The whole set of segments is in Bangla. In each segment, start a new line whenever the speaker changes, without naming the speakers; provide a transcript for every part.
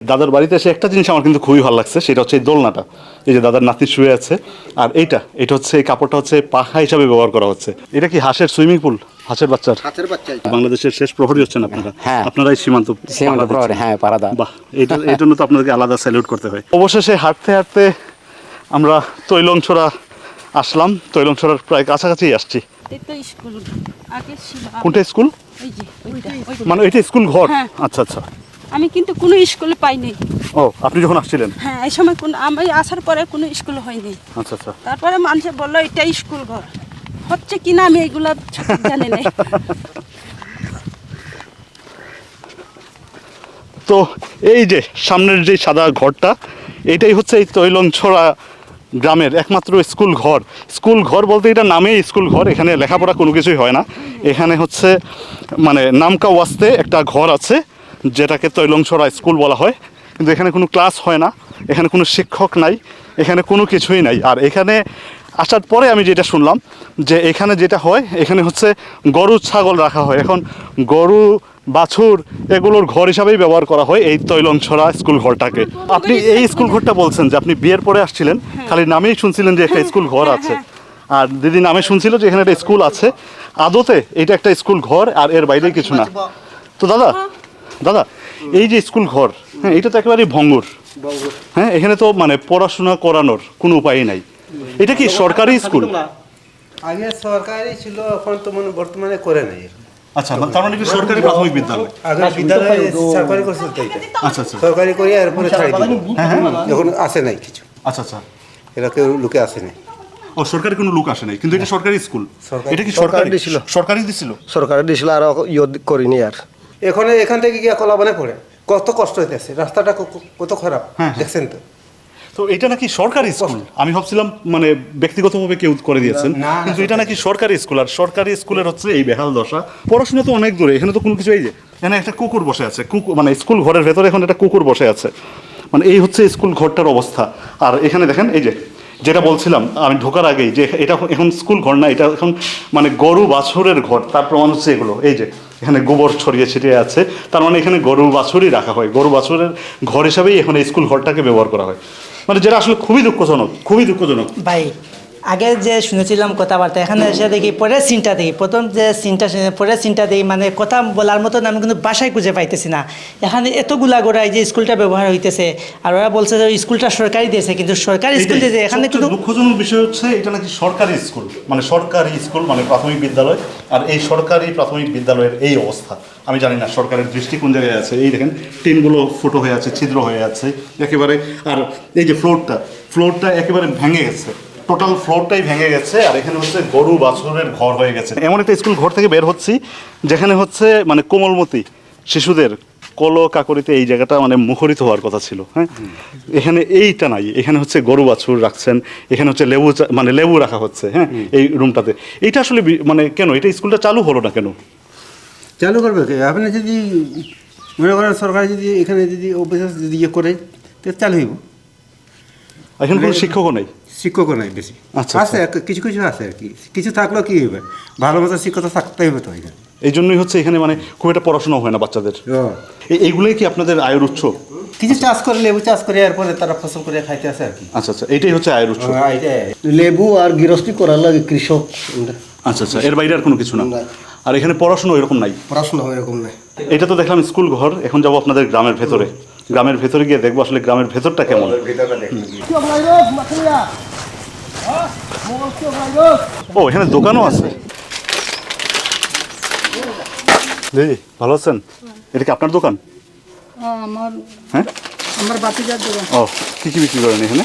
দাদার বাড়িতে এসে একটা জিনিস আমার কিন্তু খুবই ভালো লাগছে, সেটা হচ্ছে এই দোলনাটা। এই যে দাদার নাতি শুয়ে আছে, আর এটা হচ্ছে এই কাপড়টা হচ্ছে পাখা হিসাবে ব্যবহার করা হচ্ছে। এটা কি হাঁসের সুইমিং পুল, হাঁসের বাচ্চার?
হাতের বাচ্চা এটা।
বাংলাদেশের শেষ প্রহরী হচ্ছেন আপনারা।
হ্যাঁ।
আপনারাই সীমান্ত
প্রহরী, হ্যাঁ, পাহারাদা।
বাহ, এই জন্য তো আপনাদেরকে আলাদা স্যালুট করতে হয়। অবশেষে হাঁটতে হাঁটতে আমরা তৈলংছড়া আসলাম, তৈলংছড়ার প্রায় কাছাকাছি আসছি। কোনটা স্কুল? মানে এটা স্কুল ঘর?
হ্যাঁ।
আচ্ছা আচ্ছা।
আমি কিন্তু কোনো স্কুলে পাইনি।
ও, আপনি যখন আসছিলেন?
হ্যাঁ, এই সময় আমি আসার পরে কোনো স্কুল হয়নি।
আচ্ছা আচ্ছা।
তারপরে মানুষে বললো এটা স্কুল ঘর, হচ্ছে কিনা আমি এইগুলা জানি না।
তো এই যে সামনের যে সাদা ঘরটা, এটাই হচ্ছে এই তৈলংছড়া গ্রামের একমাত্র স্কুল ঘর। স্কুল ঘর বলতে এটা নামেই স্কুল ঘর, এখানে লেখাপড়া কোনো কিছুই হয় না। এখানে হচ্ছে মানে নামকা ওয়াস্তে একটা ঘর আছে, যেটাকে তৈলংছড়া স্কুল বলা হয়, কিন্তু এখানে কোনো ক্লাস হয় না, এখানে কোনো শিক্ষক নাই, এখানে কোনো কিছুই নাই। আর এখানে আসার পরে আমি যেটা শুনলাম যে এখানে যেটা হয়, এখানে হচ্ছে গরু ছাগল রাখা হয়। এখন গরু বাছুর এগুলোর ঘর হিসাবেই ব্যবহার করা হয় এই তৈলংছড়া স্কুল ঘরটাকে। আপনি এই স্কুল ঘরটা বলছেন যে আপনি বিয়ের পরে আসছিলেন, খালি নামেই শুনছিলেন যে একটা স্কুল ঘর আছে, আর দিদি নামে শুনছিল যে এখানে একটা স্কুল আছে। আদতে এটা একটা স্কুল ঘর, আর এর বাইরে কিছু না। তো দাদা এই যে স্কুল ঘর, হ্যাঁ, এটা তো একেবারেই ভঙ্গুর। হ্যাঁ, এখানে তো মানে পড়াশোনা করানোর কোনো উপায় নাই। এটা কি সরকারি স্কুল?
আগে সরকারি ছিল, এখন তো বর্তমানে করে নাই।
আচ্ছা, তার মানে কি সরকারি প্রাথমিক বিদ্যালয়?
আগে বিদ্যালয় সরকারি করছিল তো এটা।
আচ্ছা আচ্ছা।
সরকারি করে এরপরে ছাড়ি দিল। এখন আসে নাই কিছু,
আচ্ছা আচ্ছা।
এরা কেউ লোকে আসে নাই।
ও, সরকারি কোনো লোক আসে নাই, কিন্তু এটা সরকারি স্কুল। এটা কি
সরকারি
সরকারি
দিছিল।
সরকারি দিছিল?
সরকারে দিছিল, আর করিনি আর।
এখান থেকে গিয়া কলাবানে পড়ে কত কষ্ট হইতেছে, রাস্তাটা কত খারাপ দেখছেন তো।
তো এটা নাকি সরকারি স্কুল? আমি ভাবছিলাম মানে ব্যক্তিগতভাবে কেউ করে দিয়েছেন,
না,
কিন্তু এটা নাকি সরকারি স্কুল। আর সরকারি স্কুলের হচ্ছে এই বেহাল দশা। পড়াশোনা তো অনেক দূরে, এখানে তো কোনো কিছু। এই যে এখানে একটা কুকুর বসে আছে, কুকুর মানে স্কুল ঘরের ভেতরে এখন একটা কুকুর বসে আছে। মানে এই হচ্ছে স্কুল ঘরটার অবস্থা। আর এখানে দেখেন, এই যে যেটা বলছিলাম আমি ঢোকার আগেই, যে এটা এখন স্কুল ঘর না, এটা এখন মানে গরু বাছুরের ঘর। তার প্রমাণ হচ্ছে এগুলো, এই যে এখানে গোবর ছড়িয়ে ছিটিয়ে আছে, তার মানে এখানে গরু বাছুরই রাখা হয়। গরু বাছুরের ঘর হিসাবেই এখন এই স্কুল ঘরটাকে ব্যবহার করা হয়। মানে যেটা আসলে খুবই দুঃখজনক, খুবই দুঃখজনক।
ভাই, আগে যে শুনেছিলাম কথাবার্তা, এখানে এসে দেখি পরের সিনটা দেখি, প্রথম যে সিনটা পরের সিনটা দেখি, মানে কথা বলার মতন আমি কিন্তু বাসায় খুঁজে পাইতেছি না। এখানে এতগুলা গোড়া এই যে স্কুলটা ব্যবহার হইতেছে, আর ওরা বলছে যে স্কুলটা সরকারি দিয়েছে, কিন্তু সরকারি স্কুল দিয়েছে এখানে কিন্তু
দুঃখজনক বিষয় হচ্ছে এটা নাকি সরকারি স্কুল, মানে সরকারি স্কুল মানে প্রাথমিক বিদ্যালয়, আর এই সরকারি প্রাথমিক বিদ্যালয়ের এই অবস্থা। আমি জানি না সরকারের দৃষ্টি কোন জায়গায় আছে। এই দেখেন টিনগুলো ফুটো হয়ে আছে, ছিদ্র হয়ে আছে একেবারে। আর এই যে ফ্লোরটা একেবারে ভেঙে গেছে, টোটাল ফ্লোরটাই ভেঙে গেছে। আর এখানে হচ্ছে গরু বাছুরের ঘর হয়ে গেছে। এমন একটা স্কুল ঘর থেকে বের হচ্ছি যেখানে হচ্ছে মানে কোমলমতি শিশুদের কলো কাকরিতে এই জায়গাটা মানে মুখরিত হওয়ার কথা ছিল। হ্যাঁ, এখানে এইটা নাই, এখানে হচ্ছে গরু বাছুর রাখছেন, এখানে হচ্ছে লেবু রাখা হচ্ছে। হ্যাঁ, এই রুমটাতে। এইটা আসলে মানে কেন এটা স্কুলটা চালু হলো না কেন?
চালু করবে কে? আপনি যদি মনে করেন সরকার যদি এখানে যদি অফিসার যদি ইয়ে করে, তো চালু হইব।
এখানে কোনো শিক্ষকও নেই?
শিক্ষকও নাই বেশি।
আচ্ছা,
আছে কিছু কিছু আছে আর কি, কিছু থাকলেও কি হইবে, ভালো মতো শিক্ষক থাকতেই হবে তো এখানে।
এই জন্যই হচ্ছে এখানে মানে খুব একটা পড়াশোনা হয় না বাচ্চাদের। এইগুলোই কি আপনাদের আয়ের উৎস?
কিছু চাষ করে, লেবু চাষ করে, এরপরে তারা ফসল করে খাইতে আসে আর কি।
আচ্ছা আচ্ছা, এইটাই হচ্ছে আয়ের উৎস।
লেবু আর গৃহস্থী করার লাগে কৃষক।
আচ্ছা আচ্ছা, এর বাইরে আর কোনো কিছু না। আর এখানে পড়াশোনা এরকম নাই?
পড়াশোনা এরকম নাই।
এটা তো দেখলাম স্কুল ঘর, এখন যাবো আপনাদের গ্রামের ভেতরে। গ্রামের ভেতরে গিয়ে দেখবো আসলে গ্রামের ভেতরটা কেমন। ও, এখানে দোকানও আছে। দিদি ভালো আছেন? এটা কি আপনার দোকান?
আমার
হ্যাঁ,
আমার বাতিজার দোকান।
ও, কী কী বিক্রি করেন এখানে?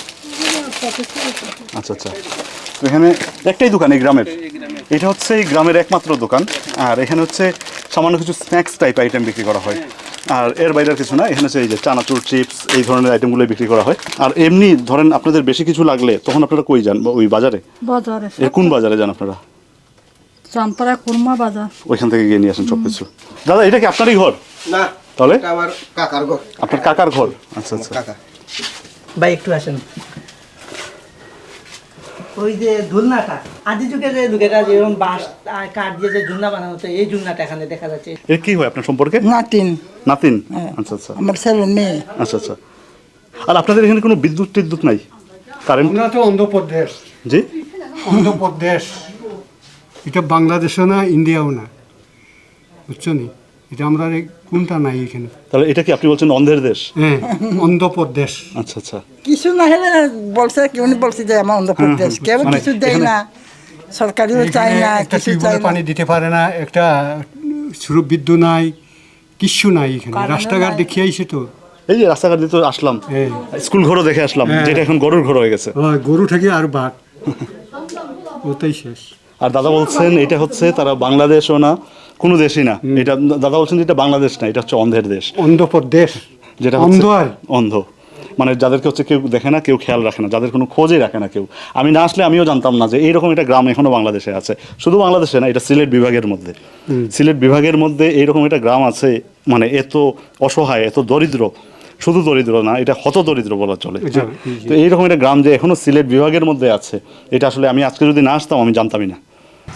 আচ্ছা আচ্ছা, তো এখানে একটাই দোকান এই গ্রামের? এটা হচ্ছে এই গ্রামের একমাত্র দোকান। আর এখানে হচ্ছে সামান্য কিছু স্ন্যাক্স টাইপ আইটেম বিক্রি করা হয়, আর এর বাইরে আর কিছু না। এখানে হচ্ছে এই যে চানাচুর, চিপস, এই ধরনের আইটেমগুলো বিক্রি করা হয়। আর এমনি ধরেন আপনাদের বেশি কিছু লাগলে তখন আপনারা কই যান? ওই বাজারে?
বাজারে।
কোন বাজারে যান আপনারা?
চাম্পারা কুরমা বাজার।
ওইখান থেকে গিয়ে নিয়ে আসেন সব কিছু। দাদা, এটা কি আপনারই ঘর?
না,
তাহলে
আমার কাকার ঘর।
আপনার কাকার ঘর? আচ্ছা আচ্ছা।
কাকা
ভাই একটু আসেন। ওই যে ঝুলনাটা আদি যুগে যে লোকেরা যেরকম বাঁশ আর কাঠ দিয়ে যে ঝুলনা বানানো হতো এই ঝুলনাটা এখানে দেখা যাচ্ছে।
এর কি হয় আপনার সম্পর্কে?
নাতিন
নাতিন?
হ্যাঁ।
আচ্ছা আচ্ছা
আমার ছেলে মেয়ে।
আচ্ছা আচ্ছা। আর আপনাদের এখানে কোনো বিদ্যুৎ টিদ্যুৎ নাই, কারেন্ট?
আমরা তো অন্ধ্রপ্রদেশ,
জি
অন্ধ্রপ্রদেশ এটা বাংলাদেশও না ইন্ডিয়াও না, বুঝছো নি? এটা আমরা কোনটা নাই এখানে।
তাহলে এটা কি আপনি বলছেন অন্ধের দেশ?
হ্যাঁ, অন্ধ্রপ্রদেশ।
আচ্ছা আচ্ছা।
কিছু না হলে বলছে কেউ বলছে যে আমার অন্ধ্রপ্রদেশ কেউ
মানে
কিছু দেয়
এখানে-
না, সরকারিও চায়
এখানে
না,
একটা
কিছু চায়
টিউবওয়েলে
না।
পানি দিতে পারে না, একটা সুরূপ বিদ্যুৎ নাই, কিচ্ছু নাই এখানে।
কারেন্টও
রাস্তাঘাট
নাই।
দেখিয়ে আইসে তো,
এই যে রাস্তাঘাট দিয়ে তো আসলাম,
হ্যাঁ।
স্কুল ঘরও দেখে আসলাম,
হ্যাঁ।
যেটা এখন গরুর ঘর হয়ে গেছে।
ওই গরু থেকে আর বাঘ ওটাই শেষ।
আর দাদা বলছেন এটা হচ্ছে তারা বাংলাদেশও না, কোনো দেশই না, এটা দাদা বলছেন যে এটা বাংলাদেশ না, এটা হচ্ছে অন্ধের দেশ,
অন্ধ্রপ্রদেশ
যেটা
অন্ধ
হচ্ছে
আর
অন্ধ, মানে যাদেরকে হচ্ছে কেউ দেখে না, কেউ খেয়াল রাখে না, যাদের কোনো খোঁজই রাখে না কেউ। আমি না আসলে আমিও জানতাম না যে এইরকম একটা গ্রাম এখনো বাংলাদেশে আছে। শুধু বাংলাদেশে না, এটা সিলেট বিভাগের মধ্যে, সিলেট বিভাগের মধ্যে এইরকম একটা গ্রাম আছে, মানে এত অসহায়, এত দরিদ্র, শুধু দরিদ্র না, এটা হত দরিদ্র বলা চলে। তো এইরকম একটা গ্রাম যে এখনো সিলেট বিভাগের মধ্যে আছে, এটা আসলে আমি আজকে যদি না আসতাম আমি জানতামই না।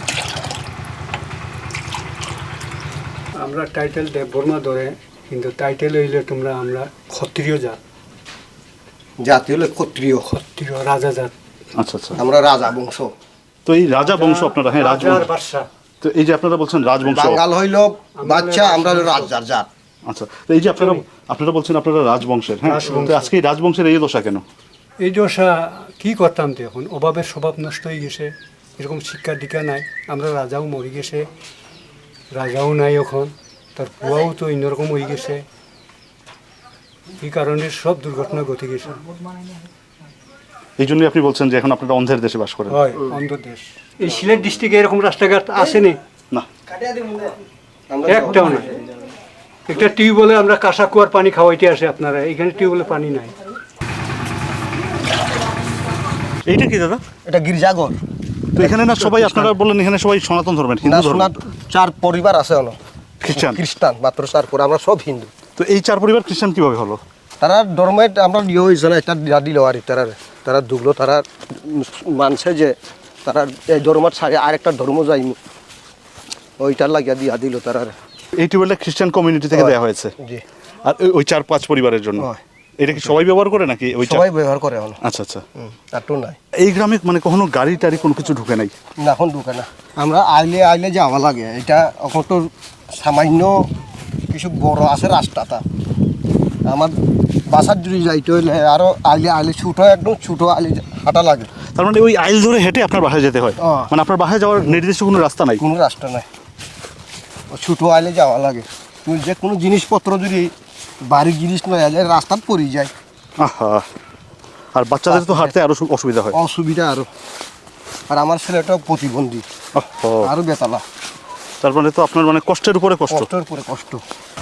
আমরা টাইটেল দেববর্মা ধরে, কিন্তু টাইটেল হইলে তোমরা আমরা ক্ষত্রিয় জাত,
জাতি হলো ক্ষত্রিয়,
ক্ষত্রিয় রাজা জাত,
আচ্ছা আচ্ছা।
আমরা রাজা বংশ।
তো এই রাজা বংশ আপনারা, হ্যাঁ
রাজার
রাজবংশ,
বাদশা।
তো এই যে আপনারা বলছেন রাজবংশ,
বাঙাল হইল বাচ্চা, আমরা হলো রাজার জাত।
আচ্ছা, তো এই যে আপনারা বলছেন আপনারা রাজবংশের, হ্যাঁ,
রাজবংশ।
তো আজকে এই রাজবংশের এই দশা কেন?
এই দশা কি করতাম তো, এখন অভাবের স্বভাব নষ্ট হয়ে গেছে, এরকম শিক্ষা দীক্ষা নাই, আমরা রাজাও মরে গেছে, রাজাও নাই এখন, তার পুয়াও তো অন্যরকম হয়ে গেছে, এই কারণে সব দুর্ঘটনা ঘটে গেছে।
এই জন্যই আপনি বলছেন যে এখন আপনারা অন্ধের দেশে বাস করেন?
হয় অন্ধ্রদেশ। এই সিলেট ডিস্ট্রিক্টে এরকম রাস্তাঘাট আসেনি,
না,
একটাও না। একটা টিউবওয়েলে আমরা কাঁসা কুয়ার পানি খাওয়াইতে আসে আপনারা, এখানে টিউবওয়েলে পানি নাই।
এইটা কি দাদা?
এটা গির্জাঘর।
তো এখানে না সবাই, আপনারা বললেন এখানে সবাই সনাতন ধর্মের,
না,
হিন্দু ধর্ম,
শোনা 4 পরিবার আছে হলো
খ্রিস্টান।
খ্রিস্টান, মাত্র 4 পরিবার, আমরা সব হিন্দু।
তো এই 4 পরিবার খ্রিস্টান কিভাবে হলো?
তারা ধর্মে আমরা ইয়ে হয়েছে না, এটা দিয়া দিল আর তারা ঢুকলো, তারা মানছে যে তারা এই ধর্ম ছাড়ে আরেকটা ধর্ম যাইনি, ওইটার লাগিয়া দিয়া দিল তারা।
এই টিউবওয়েলটা খ্রিস্টান কমিউনিটি থেকে দেওয়া হয়েছে,
জি,
আর ওই 4-5 পরিবারের জন্য।
হয়।
এটা কি সবাই ব্যবহার করে নাকি ওই
সবাই ব্যবহার করে এখন।
আচ্ছা আচ্ছা।
আর তো নাই,
এই গ্রামে মানে কখনো গাড়ি টাড়ি কোনো কিছু ঢুকে নাই?
না এখন ঢুকে না। আমরা আইলে যাওয়া লাগে, এটা এখন তো সামান্য কিছু বড় আছে রাস্তাটা, আমার বাসার যদি যাইতে হইলে আরও আইলে ছোটো, একদম ছোটো আইলে হাঁটা লাগে।
তার মানে ওই আইল ধরে হেঁটে আপনার বাসায় যেতে হয়?
ও।
মানে আপনার বাসায় যাওয়ার নির্দিষ্ট কোনো রাস্তা নাই?
কোনো রাস্তা নাই, ও ছোটো আইলে যাওয়া লাগে। তুমি যে কোনো জিনিসপত্র যদি বাড়ির জিনিস নয় আইলে রাস্তাত পড়ে যায়,
আহা, আর বাচ্চাদের তো হাঁটতে আরো অসুবিধা হয়।
অসুবিধা আরও। আর আমার ছেলেটাও প্রতিবন্ধী,
ওহো,
আরও বেতালা,
তার মানে তো আপনার মানে কষ্টের উপরে কষ্ট।
কষ্টের পরে কষ্ট।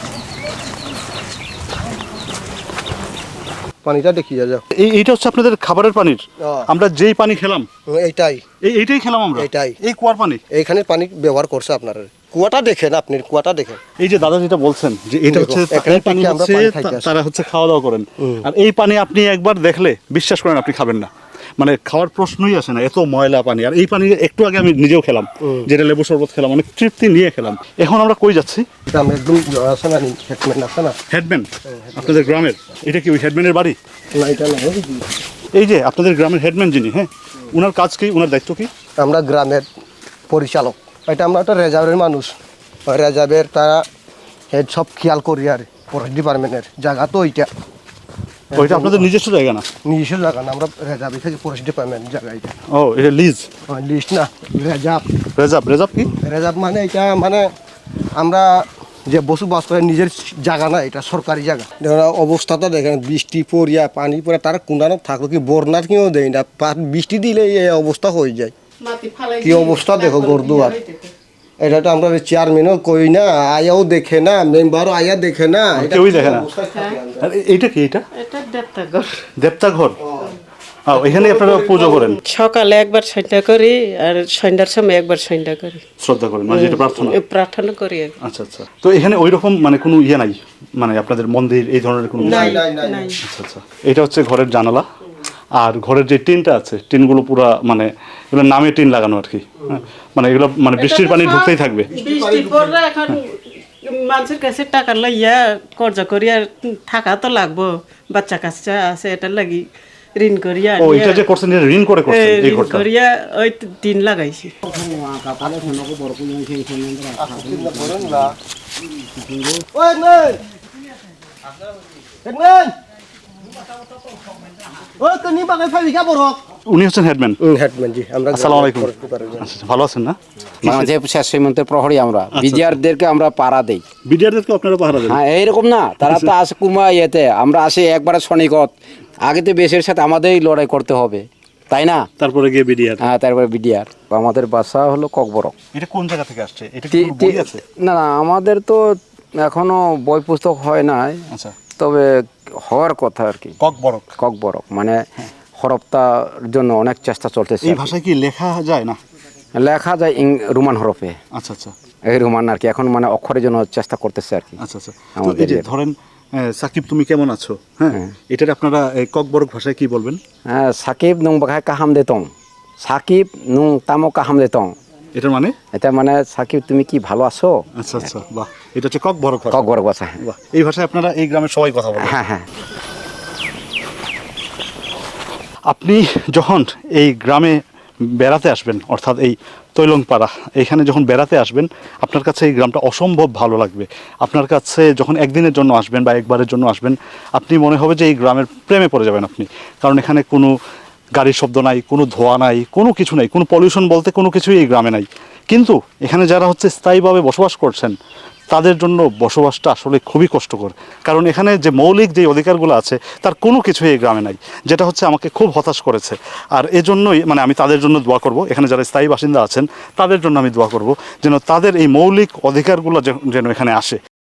পানিটা দেখি যাও,
এইটা হচ্ছে আপনাদের খাবারের পানির? আমরা যেই পানি খেলাম
এইটাই
এইটাই খেলাম আমরা?
এইটাই।
এই কুয়ার পানি?
এইখানে পানি ব্যবহার করছে আপনারা। কুয়াটা দেখেন, আপনি কুয়াটা দেখেন।
এই যে দাদা যেটা বলছেন যে এটা হচ্ছে
এখানে
এই পানি
থেকে আমরা
হচ্ছে
পানি খাইতে আসি।
তারা হচ্ছে খাওয়া দাওয়া করেন, আর এই পানি আপনি একবার দেখলে বিশ্বাস করেন আপনি খাবেন না, মানে খাওয়ার প্রশ্নই আসে না, এত ময়লা পানি। আর এই পানি একটু আগে আমি নিজেও খেলাম, যেটা লেবু শরবত খেলাম, অনেক তৃপ্তি নিয়ে খেলাম। এখন আমরা কই যাচ্ছি?
এটা আমি একদম আছে না, হেডম্যান আছে না,
হেডম্যান আপনাদের গ্রামের? এটা কি ওই হেডম্যানের বাড়ি?
না এটা না,
এই যে আপনাদের গ্রামের হেডম্যান যিনি, হ্যাঁ, ওনার কাজ কি, ওনার দায়িত্ব কি?
আমরা গ্রামের পরিচালক। এটা আমরা একটা রেজার্ভের মানুষ, রেজার্ভের তারা হেড সব খেয়াল করি আর ফরেস্ট ডিপার্টমেন্টের জায়গা তো ওইটা।
ওইটা আপনাদের নিজস্ব জায়গা না?
নিজস্ব জায়গা না, আমরা রেজার্ভে থেকে ফরেস্ট ডিপার্টমেন্ট জায়গা এটা।
ও, এটা লিজ?
লিস্ট না, রেজার্ভ।
রেজার্ভ কি?
রেজার্ভ মানে এটা মানে আমরা যে বসবাস করে নিজের জায়গা না, এটা সরকারি জায়গা। দেখুন অবস্থাটা দেখেন, বৃষ্টি পড়িয়া পানি পড়ে তারা কুন্দানো থাকলো কি বন্যার কেউ দেয় না, বৃষ্টি দিলে এই অবস্থা হয়ে যায়। কি অবস্থা দেখো গরদুয়ার। এটা তো আমরা চেয়ারম্যানও কই না, আয়াও দেখে না, মেম্বারও আয়া দেখে না, এটা
কেউই দেখে না।
অবস্থায় থাকে আমরা।
আর এইটা কি? এটা
এটা দেবতাঘর।
দেবতা ঘর? এখানে আপনারা পুজো করেন?
সকালে একবার সন্ধ্যা করি, আর সন্ধ্যার সময় একবার সন্ধ্যা করি,
শ্রদ্ধা করেন, মানে যেটা প্রার্থনা?
প্রার্থনা করি।
আচ্ছা আচ্ছা। তো এখানে ওই রকম মানে কোনো ইয়ে নাই, মানে আপনাদের মন্দির এই ধরনের কোনো কিছু?
নাই নাই নাই
নাই।
আচ্ছা আচ্ছা। এটা হচ্ছে ঘরের জানালা, আর ঘরের যে টিনটা আছে টিনগুলো পুরা মানে এগুলো নামে টিন লাগানো আর কি, হ্যাঁ? মানে এগুলো মানে বৃষ্টির পানি ঢুকতেই থাকবে।
বৃষ্টি পড়লে এখন মানুষের কাছে টাকা লইয়া কর্জ করিয়া থাকা তো লাগবো, বাচ্চা কাচ্চা আছে এটার লাগি ঋণ করিয়া
ও এটা যে করছেন এটা ঋণ করে করছেন এই
ঋণ
ঘরটা?
করিয়া ওই টিন লাগাইছি।
উনি হচ্ছেন হেডম্যান।
হেডম্যান জি, আমরা
আসসালামু আলাইকুম। আচ্ছা, ভালো আছেন না?
বাংলাদেশের শেষ সীমান্তের প্রহরী আমরা বিডিআরদেরকে আমরা পাড়া দেই।
বিডিআরদেরকে আপনারা পাহারা দেন?
হ্যাঁ এইরকম না, তারা তো আসে কুমা ইয়েতে, আমরা আসি একবারে সনিকত, আগে তো বেশের সাথে আমাদেরই লড়াই করতে হবে, তাই না?
তারপরে গিয়ে বিডিআর।
হ্যাঁ, তারপরে বিডিআর। আমাদের বাসা হলো ককবরক।
এটা কোন জায়গা থেকে আসছে? এটা কি কোনো বই আছে?
না না, আমাদের তো এখনো বই পুস্তক হয় নাই,
আচ্ছা,
তবে হওয়ার কথা আর কি।
ককবরক।
ককবরক মানে হরফতার জন্য অনেক চেষ্টা চলতেছে।
এই ভাষায় কি লেখা যায় না?
লেখা যায় রোমান হরফে,
আচ্ছা আচ্ছা
এই রোমান আর কি, এখন মানে অক্ষরের জন্য চেষ্টা করতেছে আর কি।
আচ্ছা আচ্ছা। তো
আমাদের
এই যে ধরেন সাকিব তুমি কেমন আছো, হ্যাঁ, এটার আপনারা এই ককবরক ভাষায় কি বলবেন?
হ্যাঁ, সাকিব নুং বাঘায় কাহাম দেতং, সাকিব নুং তামো কাহাম দেতং।
এটার মানে?
এটা মানে সাকিব তুমি কি ভালো আছো?
আচ্ছা আচ্ছা, বাহ, এটা হচ্ছে ককবরক ভাষা।
ককবরক ভাষা।
বাহ, এই ভাষায় আপনারা এই গ্রামের সবাই কথা বলেন?
হ্যাঁ হ্যাঁ।
আপনি যখন এই গ্রামে বেড়াতে আসবেন, অর্থাৎ এই তৈলংপাড়া এখানে যখন বেড়াতে আসবেন, আপনার কাছে এই গ্রামটা অসম্ভব ভালো লাগবে। আপনার কাছে যখন একদিনের জন্য আসবেন বা একবারের জন্য আসবেন, আপনি মনে হবে যে এই গ্রামের প্রেমে পড়ে যাবেন আপনি। কারণ এখানে কোনো গাড়ির শব্দ নাই, কোনো ধোঁয়া নাই, কোনো কিছু নাই, কোনো পলিউশন বলতে কোনো কিছুই এই গ্রামে নাই। কিন্তু এখানে যারা হচ্ছে স্থায়ীভাবে বসবাস করছেন, তাদের জন্য বসবাসটা আসলে খুবই কষ্টকর। কারণ এখানে যে মৌলিক যে অধিকারগুলো আছে তার কোনো কিছুই এই গ্রামে নাই, যেটা হচ্ছে আমাকে খুব হতাশ করেছে। আর এজন্যই মানে আমি তাদের জন্য দোয়া করব, এখানে যারা স্থায়ী বাসিন্দা আছেন তাদের জন্য আমি দোয়া করব যেন তাদের এই মৌলিক অধিকারগুলো যেন এখানে আসে।